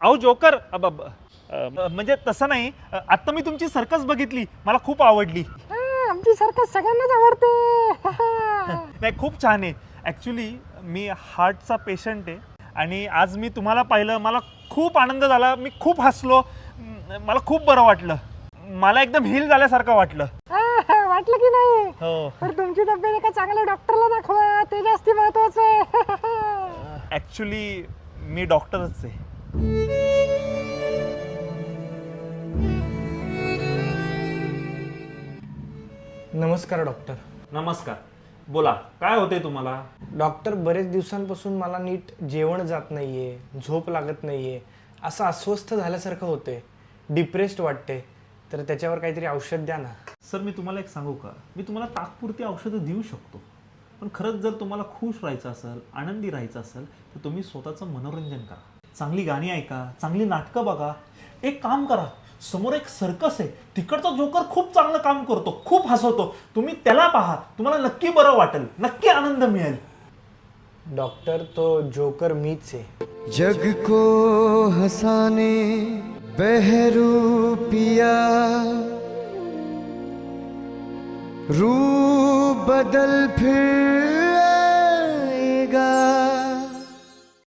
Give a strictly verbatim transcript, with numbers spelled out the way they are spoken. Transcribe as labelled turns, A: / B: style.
A: अहो जोकर अब- अब- अ, म्हणजे तसं नाही, आता मी तुमची सर्कस बघितली, मला खूप आवडली.
B: आमची सर्कस सगळ्यांनाच आवडते.
A: नाही खूप छान आहे. ॲक्च्युली मी हार्टचा पेशंट आहे आणि आज मी तुम्हाला पाहिलं, मला खूप आनंद झाला, मी खूप हसलो, म, मला खूप बरं वाटलं, मला एकदम हील झाल्यासारखं वाटलं.
B: वाटलं की नाही?
A: हो.
B: पण तुमची तब्येत एका चांगल्या डॉक्टरला दाखवा, ते जास्ती महत्वाचं आहे.
A: ॲक्च्युली मी डॉक्टरच आहे.
C: नमस्कार डॉक्टर.
A: नमस्कार, बोला काय होते तुम्हाला?
C: डॉक्टर, बरेच दिवसांपासून मला नीट जेवण जात नाहीये, झोप लागत नाहीये, असं अस्वस्थ झाल्यासारखं होते, डिप्रेस्ड वाटते, तर त्याच्यावर काहीतरी औषध द्या ना.
A: सर मी तुम्हाला एक सांगू का, मी तुम्हाला तात्पुरती औषधं देऊ शकतो, पण खरंच जर तुम्हाला खुश राहायचं असेल, आनंदी राहायचं असेल, तर तुम्ही स्वतःचं मनोरंजन करा, चांगली गाणी ऐका, चांगली नाटकं बघा. एक काम करा, समोर एक सर्कस आहे, तिकडचा जोकर खूप चांगलं काम करतो, खूप हसवतो, तुम्ही त्याला पहा, तुम्हाला नक्की बरं वाटेल, नक्की आनंद मिळेल.
C: डॉक्टर, तो जोकर मीच आहे.
D: जग को हंसाने बहरूपिया रू बदल फिर